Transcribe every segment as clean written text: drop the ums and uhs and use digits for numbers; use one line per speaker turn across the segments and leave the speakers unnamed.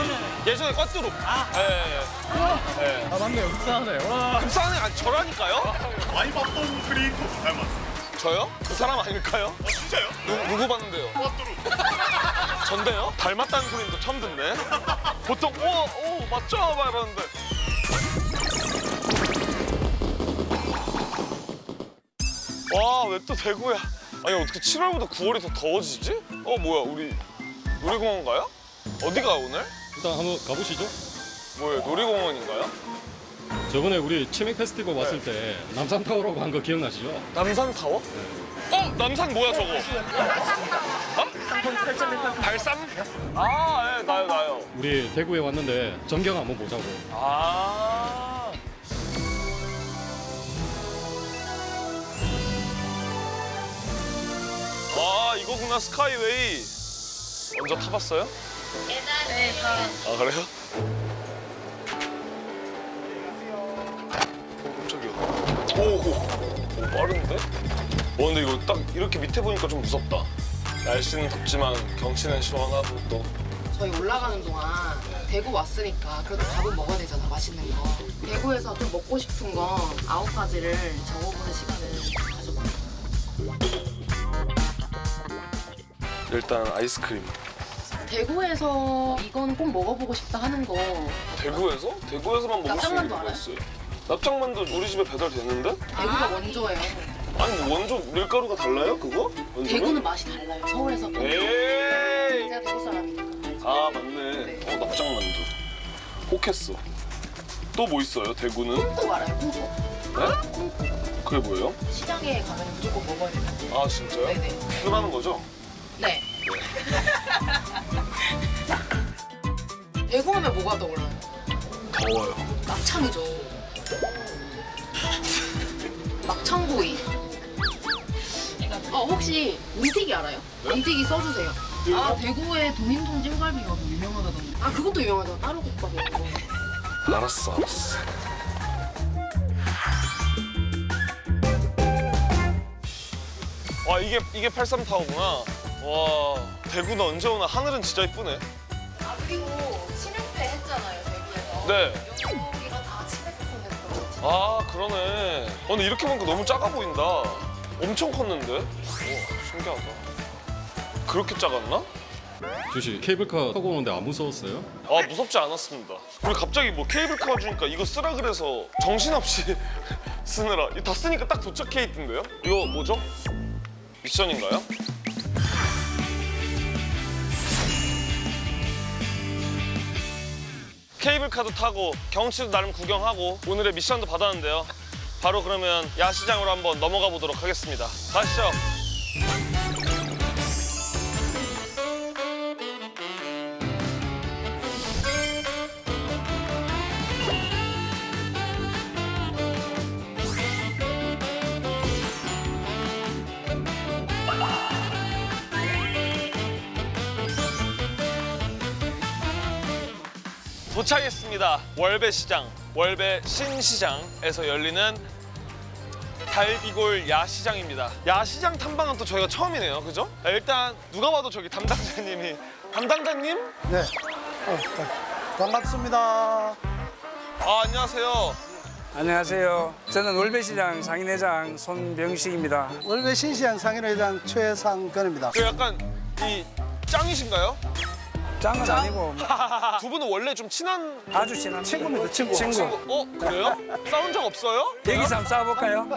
예전에 꽈뚜루. 예. 예.
아 맞네요. 흡사하네. 와.
급사하는 아니 저라니까요?
많이 봤던 크리에이터 닮았어.
저요? 그 사람 아닐까요?
진짜요?
누구 봤는데요?
꽈뚜루.
전데요? 닮았다는 소리는 또 처음 듣네. 보통 오 맞죠? 막 이러는데. 와, 왜 또 대구야? 아니 어떻게 7월보다 9월이 더 더워지지? 뭐야 우리 놀이공원 가요? 어디가 오늘?
일단 한번 가보시죠.
뭐예요? 놀이공원인가요?
저번에 우리 치맥 페스티벌 왔을 때 남산타워라고 한 거 기억나시죠?
남산 타워? 남산 뭐야 저거? 발산? 아, 예, 나요.
우리 대구에 왔는데 전경 한번 보자고.
아. 와, 이거구나, 스카이웨이. 먼저 타봤어요?
네,
아, 그래요? 깜짝이야. 오, 빠른데? 근데 이거 딱 이렇게 밑에 보니까 좀 무섭다. 날씨는 덥지만 경치는 시원하고 또.
저희 올라가는 동안 대구 왔으니까 그래도 밥은 먹어야 되잖아, 맛있는 거. 대구에서 좀 먹고 싶은 거 9가지를 적어보는 시간을 가져볼게요.
일단 아이스크림.
대구에서 이건 꼭 먹어보고 싶다 하는 거
대구에서? 대구에서만 먹을 수 있는
납작만두
거
알아요?
있어요. 납작만두 우리 집에 배달되는데?
대구가 원조예요.
아니 뭐 원조 밀가루가 달라요 그거? 원조는?
대구는 맛이 달라요, 서울에서.
에이.
제가 대구 사람이니까.
아 맞네. 납작만두. 혹했어. 또 뭐 있어요 대구는?
콩국 알아요, 콩국?
네?
콩국.
그게 뭐예요?
시장에 가면 무조건 먹어야 돼요.
아 진짜요?
네네.
흔하는 거죠?
네. 대구 하면 뭐가 떠올라요?
더워요.
막창이죠. 막창구이. 혹시 문튀기 알아요? 문튀기 써주세요. 대구에 도인동 찜갈비가 뭐 유명하다던데. 그것도 유명하잖아. 따로 국밥이 있고.
알았어. 와 이게 83타워구나. 와 대구는 언제 오나. 하늘은 진짜 이쁘네.
그리고 치맥회 했잖아요, 대구에서.
네.
여기가 다 치맥 콘텐츠.
그러네. 근데 이렇게 보니까 너무 작아 보인다. 엄청 컸는데? 우와, 신기하다. 그렇게 작았나?
주시 케이블카 타고 오는데 안 무서웠어요?
무섭지 않았습니다. 그리고 갑자기 뭐 케이블카 주니까 이거 쓰라 그래서 정신없이 쓰느라. 이거 다 쓰니까 딱 도착해 있던데요? 이거 뭐죠? 미션인가요? 케이블카도 타고 경치도 나름 구경하고 오늘의 미션도 받았는데요. 바로 그러면 야시장으로 한번 넘어가 보도록 하겠습니다. 가시죠. 도착했습니다. 월배시장, 월배 신시장에서 열리는 달비골 야시장입니다. 야시장 탐방은 또 저희가 처음이네요, 그죠? 일단 누가 봐도 저기 담당자님이. 담당자님?
네. 반갑습니다.
안녕하세요.
안녕하세요. 저는 월배시장 상인회장 손병식입니다.
월배 신시장 상인회장 최상근입니다.
그 약간 이 짱이신가요?
짱은 아니고
두 분은 원래 좀 친한
아주 친한
친구입니다, 친구.
친구.
그래요? 싸운 적 없어요?
여기서 한번 싸워볼까요?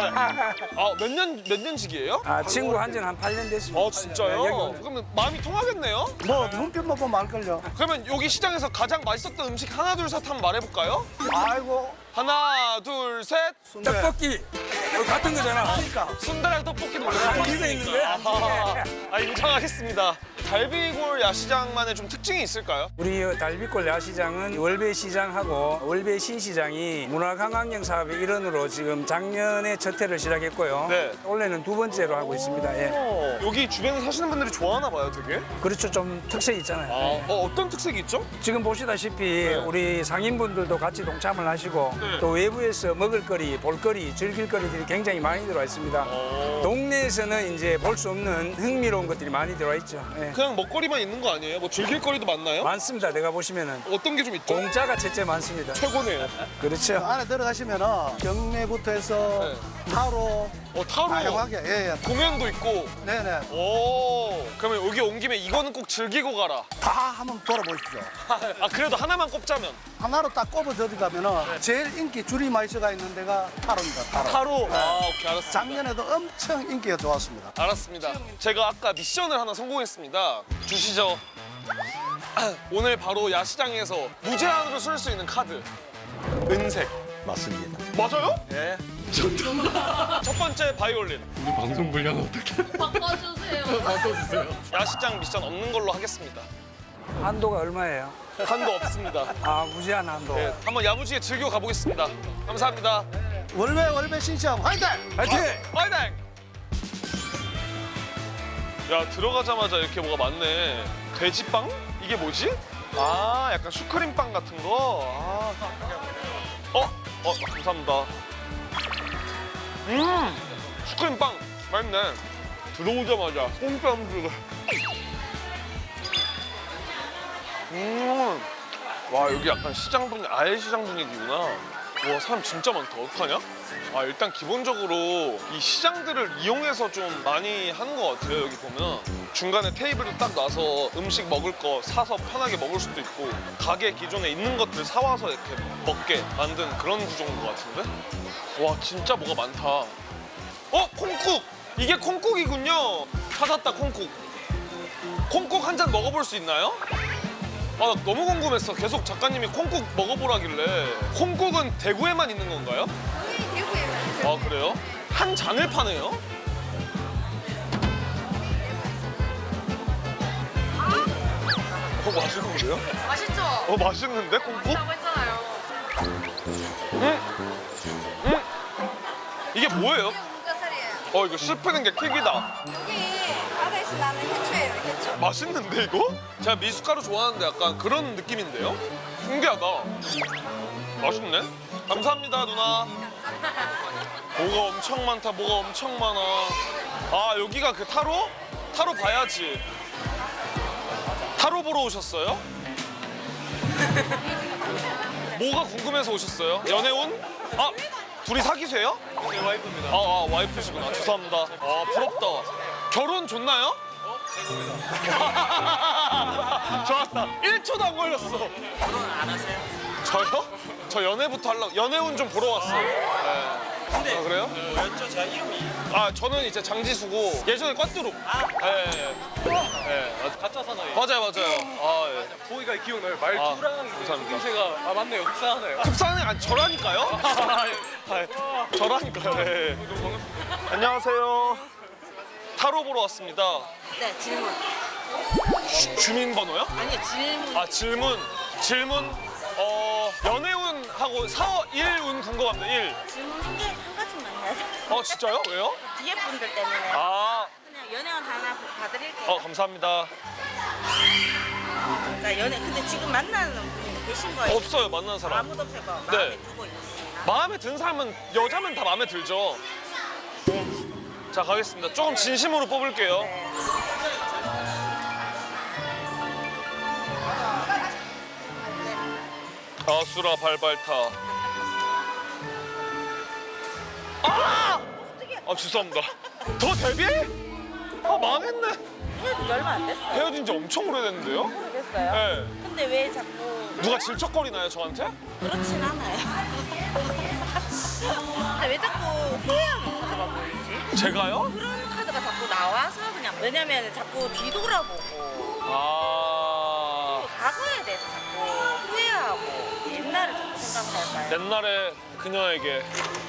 몇 년직이에요?
친구 한지는 한 8년 됐습니다.
진짜요?
네, 여기 오늘.
그러면 마음이 통하겠네요?
뭐 눈빛만 보면 알걸요.
그러면 여기 시장에서 가장 맛있었던 음식 하나 둘 셋 한번 말해볼까요?
아이고.
하나 둘 셋.
떡볶이. 이거 같은 거잖아.
순대랑 떡볶이도
거기서 있는데?
인정하겠습니다. 달비골 야시장만의 좀 특징이 있을까요?
우리 달빛골 야시장은 월배시장하고 월배신시장이 문화관광형 사업의 일원으로 지금 작년에 첫 해를 시작했고요.
네.
올해는 두 번째로 하고 있습니다. 예.
여기 주변에 사시는 분들이 좋아하나 봐요, 되게.
그렇죠. 좀 특색이 있잖아요.
어떤 특색이 있죠?
지금 보시다시피 우리 상인분들도 같이 동참을 하시고
네.
또 외부에서 먹을거리, 볼거리, 즐길거리들이 굉장히 많이 들어와 있습니다. 동네에서는 이제 볼 수 없는 흥미로운 것들이 많이 들어와 있죠. 예.
그냥 먹거리만 있는 거 아니에요? 뭐 즐길 거리도 많나요?
많습니다. 내가 보시면은
어떤 게 좀 있죠?
공짜가 첫째 많습니다.
최고네요.
그렇죠.
안에 들어가시면은 경매부터 해서 타로
타로
다양하게 예.
공연도 있고.
네네
오, 그러면 여기 온 김에 이거는 꼭 즐기고 가라.
다 한번 돌아보십시오.
아 그래도 하나만 꼽자면
하나로 딱 꼽아 들어가면은 제일 인기 줄이 많이 서가 있는 데가 타로입니다. 타로.
타로. 아 오케이 알았습니다.
작년에도 엄청 인기가 좋았습니다.
알았습니다. 제가 아까 미션을 하나 성공했습니다. 주시죠. 오늘 바로 야시장에서 무제한으로 쓸 수 있는 카드. 은색.
맞습니다.
맞아요? 예. 첫 번째 바이올린.
우리 방송 분량 어떻게
바꿔주세요.
바꿔주세요.
야시장 미션 없는 걸로 하겠습니다.
한도가 얼마예요?
한도 없습니다.
아, 무제한 한도.
네, 한번 야무지게 즐겨 가보겠습니다. 감사합니다.
월배 신시장 화이팅!
화이팅!
화이팅! 야 들어가자마자 이렇게 뭐가 많네. 돼지빵? 이게 뭐지? 아 약간 슈크림빵 같은 거. 감사합니다. 슈크림빵 맛있네. 들어오자마자 뽕뺨 와 여기 약간 시장 분위기, 아예 시장 분위기구나. 와 사람 진짜 많다. 어떡하냐? 아 일단 기본적으로 이 시장들을 이용해서 좀 많이 하는 것 같아요. 여기 보면 중간에 테이블을 딱 놔서 음식 먹을 거 사서 편하게 먹을 수도 있고 가게 기존에 있는 것들 사와서 이렇게 먹게 만든 그런 구조인 것 같은데? 와 진짜 뭐가 많다. 콩국! 이게 콩국이군요. 찾았다 콩국. 콩국 한 잔 먹어볼 수 있나요? 아, 나 너무 궁금했어. 계속 작가님이 콩국 먹어보라길래. 콩국은 대구에만 있는 건가요?
대구에만 있어요.
아, 그래요? 한 잔을 파네요? 맛있는데요?
맛있죠?
맛있는데, 콩국?
라고 했잖아요.
이게 뭐예요?
이게 우거살이에요.
이거 씹히는 게 킥이다.
여기 바다에서 나는 해초예요, 해초.
맛있는데, 이거? 제가 미숫가루 좋아하는데 약간 그런 느낌인데요? 신기하다. 맛있네? 감사합니다, 누나. 뭐가 엄청 많다, 뭐가 엄청 많아. 아, 여기가 그 타로? 타로 봐야지. 타로 보러 오셨어요? 뭐가 궁금해서 오셨어요? 연애운? 아, 둘이 사귀세요? 네, 와이프입니다. 와이프시구나. 죄송합니다. 아, 부럽다. 결혼 좋나요? 좋았다. 1초도 안 걸렸어. 결혼 안 하세요? 저요? 저 연애부터 하려고. 연애운 좀 보러 왔어요. 네. 근데 그래요?
뭐였죠? 제가 이름이
저는 이제 장지수고 예전에 꽈뚜룩.
가짜 사나이.
맞아요. 예.
보기가 기억나요. 말투랑
감사합니다.
생김새가 맞네요. 흡사하네요.
급사는 아니 저라니까요? 저라니까요. 예. 안녕하세요. 타로 보러 왔습니다.
네, 질문.
주민번호요?
아니요, 질문.
아 질문. 연애운하고 1운 궁금합니다. 1.
질문 한 가지만 해야 돼.
진짜요? 왜요?
뒤에 분들 때문에
아,
그냥 연애원 하나 봐드릴게요.
감사합니다.
자, 근데 지금 만나는 분이 계신 거예요?
없어요, 만난 사람.
아무도 없어요. 마음에
네.
두고 있으시나?
마음에 든 사람은 여자면 다 마음에 들죠. 자, 가겠습니다. 조금 진심으로 뽑을게요. 아수라 발발타. 죄송합니다. 더 데뷔? 망했네.
헤어진 지 얼마 안 됐어요.
헤어진 지 엄청 오래됐는데요?
모르겠어요.
네.
근데 왜 자꾸
누가 질척거리나요, 저한테?
그렇진 않아요. 근데 왜 자꾸 후회하는 카드가 보이지?
제가요?
그런 카드가 자꾸 나와서 그냥 왜냐면 자꾸 뒤돌아보고 과거에 대해서 자꾸 후회하고 옛날을 자꾸 생각할까요?
옛날에 그녀에게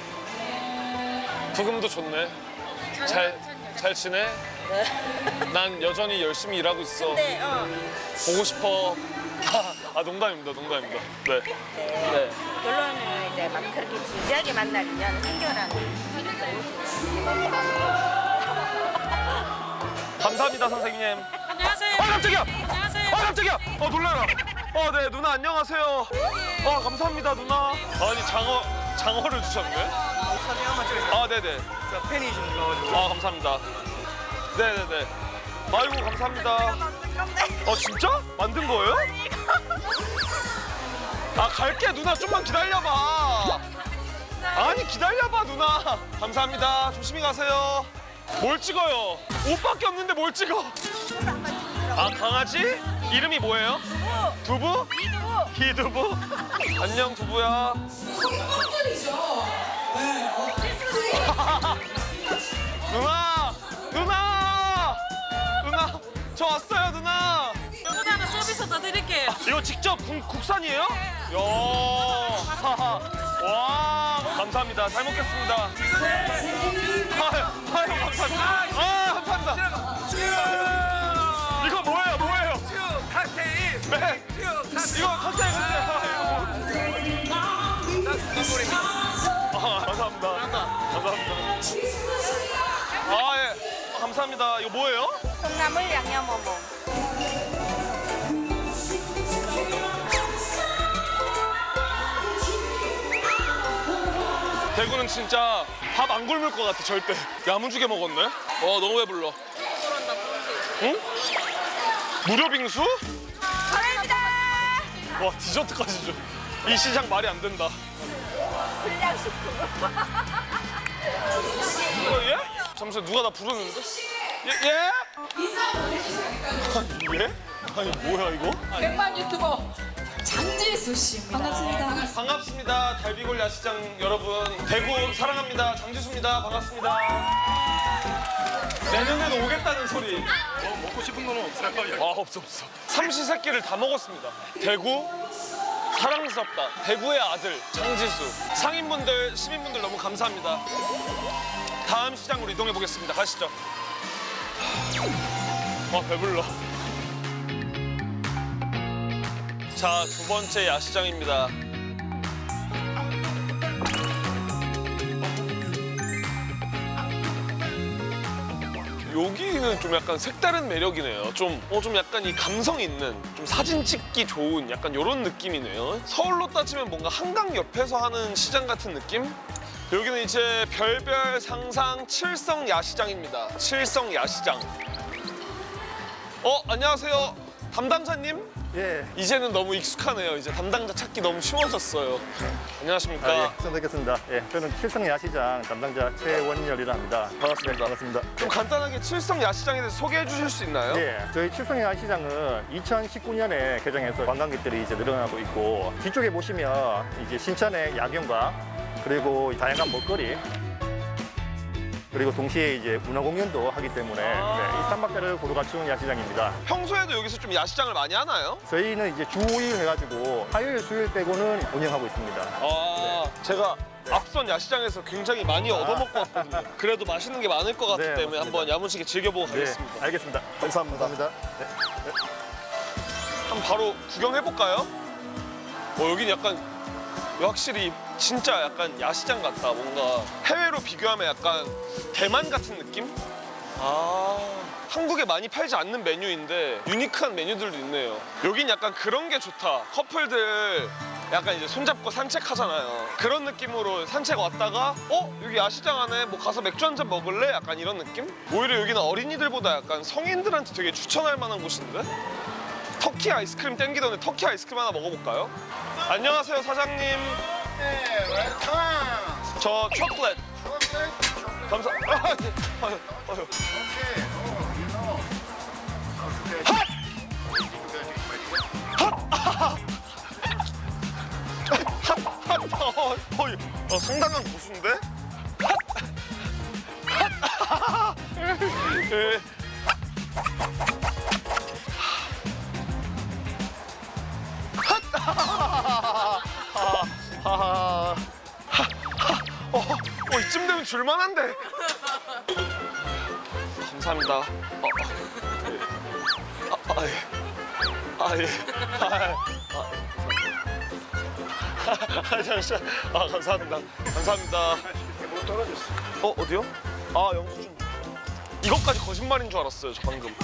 부금도 좋네. 잘 지내? 난 여전히 열심히 일하고 있어.
근데
보고 싶어. 농담입니다. 네. 네.
결론은 이제 막 그렇게 진지하게 만날 인연을 생겨라는
감사합니다, 선생님.
안녕하세요.
깜짝이야!
안녕하세요.
깜짝이야! 놀라라. 네, 누나 안녕하세요. 감사합니다, 누나. 아니, 장어를 주셨네.
사진 한번 찍으세요.
네네.
제가 팬이신가 가지고.
감사합니다. 네네네. 아이고, 감사합니다.
건데.
진짜? 만든 거예요? 아 갈게 누나 좀만 기다려봐. 아니 기다려봐 누나. 감사합니다. 조심히 가세요. 뭘 찍어요? 옷밖에 없는데 뭘 찍어? 아 강아지? 이름이 뭐예요? 두부? 이두부? 안녕 두부야. 누나 저 왔어요 누나.
요거도 하나 서비스 더 드릴게요.
이거 직접 국산이에요? 이야. 와 감사합니다. 잘 먹겠습니다. 아유 감사합니다. 감사합니다. 이거 뭐예요? 칵테일. 네. 이거 칵테일 감사합니다. 예. 감사합니다. 이거 뭐예요?
콩나물 양념 어묵.
대구는 진짜 밥 안 굶을 것 같아 절대. 야무지게 먹었네. 너무 배불러. 응? 무료 빙수?
감사합니다.
와 디저트까지 줘. 이 시장 말이 안 된다.
불량식품.
예? 잠시만 누가 나 부르는데? 예? 예? 아니 뭐야 이거?
백만 유튜버 장지수 씨입니다. 반갑습니다.
반갑습니다. 달비골 야시장 여러분. 대구 사랑합니다. 장지수입니다. 반갑습니다. 내년에도 오겠다는 소리.
먹고 싶은 거는 없어요?
없어. 삼시세끼를 다 먹었습니다. 대구 사랑스럽다. 대구의 아들 장지수. 상인분들, 시민분들 너무 감사합니다. 다음 시장으로 이동해 보겠습니다. 가시죠. 배불러. 자, 두 번째 야시장입니다. 여기는 좀 약간 색다른 매력이네요. 좀 약간 이 감성 있는, 좀 사진 찍기 좋은 약간 이런 느낌이네요. 서울로 따지면 뭔가 한강 옆에서 하는 시장 같은 느낌? 여기는 이제 별별 상상 칠성 야시장입니다. 칠성 야시장. 안녕하세요. 담당자님?
예.
이제는 너무 익숙하네요. 이제 담당자 찾기 너무 쉬워졌어요. 안녕하십니까.
처음 뵙겠습니다. 예, 저는 칠성 야시장 담당자 최원열이라 합니다.
반갑습니다.
네, 반갑습니다.
좀 간단하게 칠성 야시장에 대해서 소개해 주실 수 있나요?
예, 저희 칠성 야시장은 2019년에 개장해서 관광객들이 이제 늘어나고 있고, 뒤쪽에 보시면 이제 신천의 야경과 그리고 다양한 먹거리, 그리고 동시에 이제 문화공연도 하기 때문에 이 삼박자를 고루 갖춘 야시장입니다.
평소에도 여기서 좀 야시장을 많이 하나요?
저희는 이제 주 5일 해가지고 화요일, 수요일 빼고는 운영하고 있습니다.
제가 앞선 야시장에서 굉장히 많이 얻어먹고 왔거든요. 그래도 맛있는 게 많을 것 같기
네,
때문에
맞습니다.
한번 야무지게 즐겨보고 가겠습니다.
네, 알겠습니다. 감사합니다. 네.
한번 바로 구경해볼까요? 여긴 약간 확실히 진짜 약간 야시장 같다. 뭔가 해외로 비교하면 약간 대만 같은 느낌? 한국에 많이 팔지 않는 메뉴인데 유니크한 메뉴들도 있네요. 여긴 약간 그런 게 좋다. 커플들 약간 이제 손잡고 산책하잖아요. 그런 느낌으로 산책 왔다가 여기 야시장 안에 뭐 가서 맥주 한잔 먹을래? 약간 이런 느낌? 오히려 여기는 어린이들보다 약간 성인들한테 되게 추천할 만한 곳인데? 터키 아이스크림 땡기던데 터키 아이스크림 하나 먹어볼까요? 안녕하세요 사장님.
네, 웰컴.
저 초콜릿. 감사. 상당한 고수인데? 예. 이쯤 되면 줄만한데. 감사합니다. 예. 잠시만. 감사합니다. 감사합니다.
못 떨어졌어.
어디요? 영수증. 이것까지 거짓말인 줄 알았어요, 저 방금.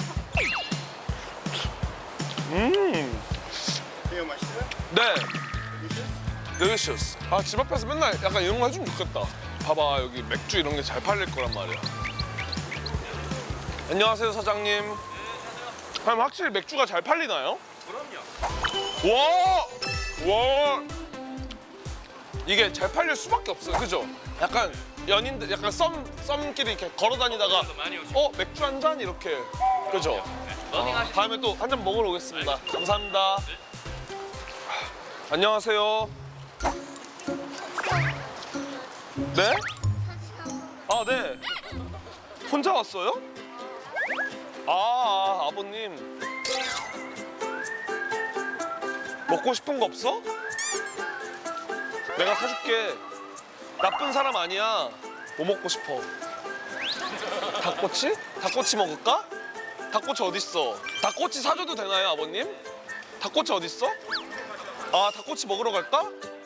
이거 맛있어요?
네. delicious. 집 앞에서 맨날 약간 이런 거 해주면 좋겠다. 봐봐, 여기 맥주 이런 게 잘 팔릴 거란 말이야. 안녕하세요, 사장님. 그럼 확실히 맥주가 잘 팔리나요?
그럼요.
와! 이게 잘 팔릴 수밖에 없어요, 그죠? 약간 연인들, 약간 썸끼리 이렇게 걸어 다니다가
많이 오시고.
맥주 한 잔 이렇게, 그죠? 다음에 또 한 잔 먹으러 오겠습니다. 감사합니다. 안녕하세요. 네? 아, 네. 혼자 왔어요? 아버님. 먹고 싶은 거 없어? 내가 사줄게. 나쁜 사람 아니야. 뭐 먹고 싶어? 닭꼬치? 닭꼬치 먹을까? 닭꼬치 어딨어? 닭꼬치 사줘도 되나요, 아버님? 닭꼬치 어딨어? 아, 닭꼬치 먹으러 갈까?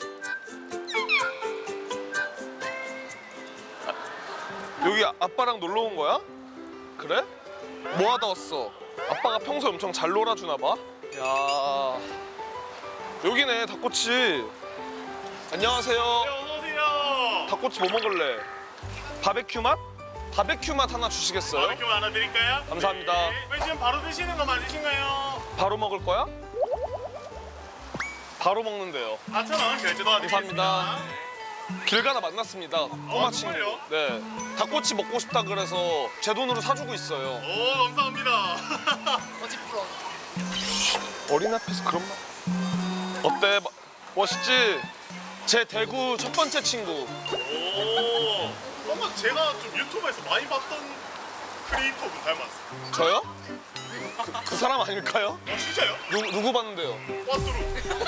여기 아빠랑 놀러 온 거야? 그래? 뭐 하다 왔어? 아빠가 평소에 엄청 잘 놀아주나 봐. 야, 여기네 닭꼬치. 안녕하세요.
어서오세요.
닭꼬치 뭐 먹을래? 바베큐 맛? 바베큐 맛 하나 주시겠어요?
바베큐 하나 드릴까요?
감사합니다.
네. 왜 지금 바로 드시는 거 맞으신가요?
바로 먹을 거야? 바로 먹는데요.
4,000원 결제 도와드리겠습니다.
감사합니다. 길 가다 만났습니다. 꼬마 친구.
정말요?
네. 닭꼬치 먹고 싶다 그래서 제 돈으로 사주고 있어요.
오, 감사합니다.
거짓부러.
어린 앞에서 그런 말. 어때? 멋있지? 제 대구 첫 번째 친구.
오, 뭔가 제가 좀 유튜브에서 많이 봤던 크리에이터분 닮았어요.
저요? 그 사람 아닐까요?
진짜요?
누구 봤는데요?
꽈뚜루.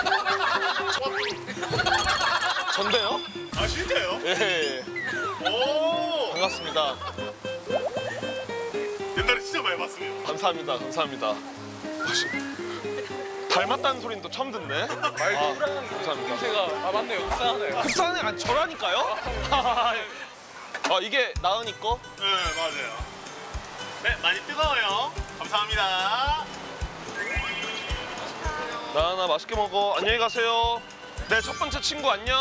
전데요?
아, 진짜요?
예.
오,
반갑습니다.
옛날에 진짜 많이 봤습니다.
감사합니다. 감사합니다. 닮았다는 소리는 또 처음 듣네.
말투랑
감사합니다.
제가 맞네요. 흡사하네요.
흡사는 아니 저라니까요? 이게 나은이 거?
네, 맞아요. 네, 많이 뜨거워요. 감사합니다.
나은아 맛있게 먹어. 안녕히 가세요. 내 첫 번째 친구 안녕.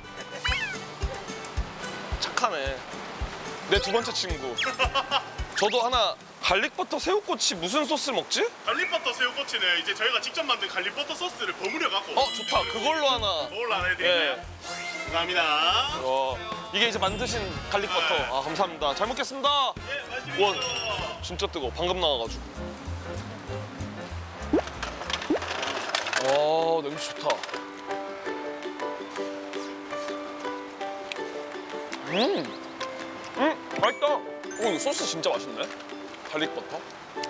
착하네. 내 두 번째 친구. 저도 하나 갈릭버터 새우꼬치 무슨 소스 먹지?
갈릭버터 새우꼬치는 이제 저희가 직접 만든 갈릭버터 소스를 버무려 갖고.
좋다. 그걸로 하나.
그걸로 하나 해드릴게요.
예.
감사합니다.
이게 이제 만드신 갈릭버터.
네.
감사합니다. 잘 먹겠습니다.
예, 맛있게
원.
드세요.
진짜 뜨거워. 방금 나와가지고. 와, 냄새 좋다. 맛있다. 이거 소스 진짜 맛있네. 갈릭버터.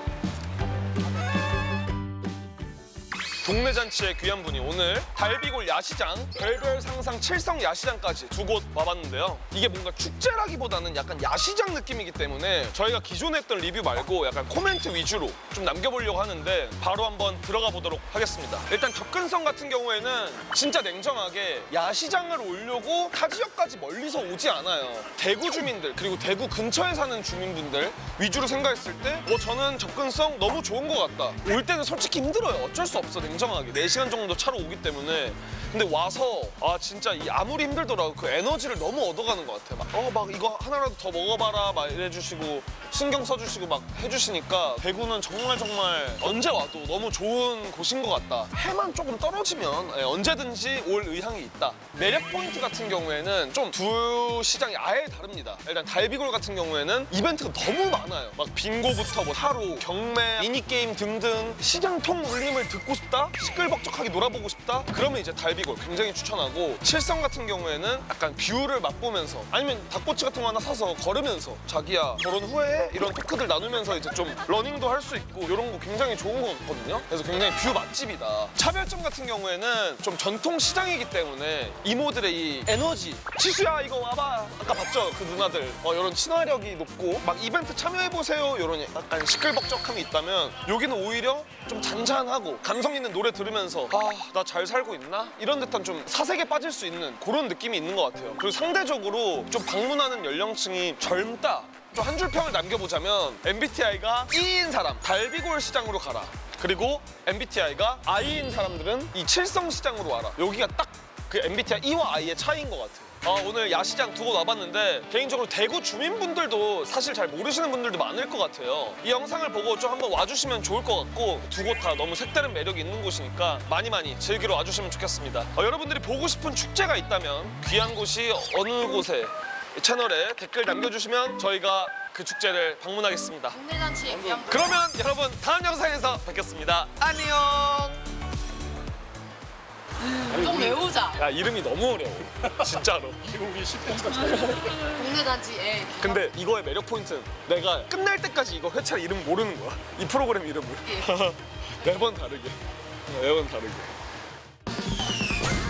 동네 잔치에 귀한 분이 오늘 달비골 야시장, 별별 상상 칠성 야시장까지 두 곳 와봤는데요. 이게 뭔가 축제라기보다는 약간 야시장 느낌이기 때문에 저희가 기존에 했던 리뷰 말고 약간 코멘트 위주로 좀 남겨보려고 하는데 바로 한번 들어가 보도록 하겠습니다. 일단 접근성 같은 경우에는 진짜 냉정하게 야시장을 오려고 타 지역까지 멀리서 오지 않아요. 대구 주민들 그리고 대구 근처에 사는 주민분들 위주로 생각했을 때 저는 접근성 너무 좋은 것 같다. 올 때는 솔직히 힘들어요. 어쩔 수 없어. 냉정하게 4시간 정도 차로 오기 때문에. 근데 와서 진짜 아무리 힘들더라도 그 에너지를 너무 얻어가는 것 같아요. 막 이거 하나라도 더 먹어봐라 막 이래주시고 신경 써주시고 막 해주시니까 대구는 정말 언제 와도 너무 좋은 곳인 것 같다. 해만 조금 떨어지면 언제든지 올 의향이 있다. 매력 포인트 같은 경우에는 좀 두 시장이 아예 다릅니다. 일단 달비골 같은 경우에는 이벤트가 너무 많아요. 막 빙고부터 뭐 타로, 경매, 미니게임 등등 시장 통 울림을 듣고 싶다? 시끌벅적하게 놀아보고 싶다? 그러면 이제 달비골 굉장히 추천하고 칠성 같은 경우에는 약간 뷰를 맛보면서 아니면 닭꼬치 같은 거 하나 사서 걸으면서 자기야 결혼 후에 이런 토크들 나누면서 이제 좀 러닝도 할 수 있고 이런 거 굉장히 좋은 것 같거든요. 그래서 굉장히 뷰 맛집이다. 차별점 같은 경우에는 좀 전통 시장이기 때문에 이모들의 이 에너지 치수야 이거 와봐 아까 봤죠? 그 누나들 이런 친화력이 높고 막 이벤트 참여해보세요 이런 약간 시끌벅적함이 있다면 여기는 오히려 좀 잔잔하고 감성 있는 노래 들으면서 나 잘 살고 있나? 이런 듯한 좀 사색에 빠질 수 있는 그런 느낌이 있는 것 같아요. 그리고 상대적으로 좀 방문하는 연령층이 젊다. 좀 한 줄 평을 남겨보자면 MBTI가 E인 사람 달비골 시장으로 가라. 그리고 MBTI가 I인 사람들은 이 칠성 시장으로 와라. 여기가 딱 그 MBTI E와 I의 차이인 것 같아요. 오늘 야시장 두 곳 와봤는데 개인적으로 대구 주민분들도 사실 잘 모르시는 분들도 많을 것 같아요. 이 영상을 보고 좀 한번 와주시면 좋을 것 같고 두 곳 다 너무 색다른 매력이 있는 곳이니까 많이 즐기러 와주시면 좋겠습니다. 여러분들이 보고 싶은 축제가 있다면 귀한 곳이 어느 곳에 채널에 댓글 남겨주시면 저희가 그 축제를 방문하겠습니다.
동네잔치에 귀한
그러면 여러분 다음 영상에서 뵙겠습니다. 안녕.
좀 외우자.
야 이름이 너무 어려워. 진짜로.
우리 10분
동네잔치에
근데 이거의 매력 포인트는 내가 끝날 때까지 이거 회차 이름 모르는 거야. 이 프로그램 이름을. 매번 다르게. 매번 다르게.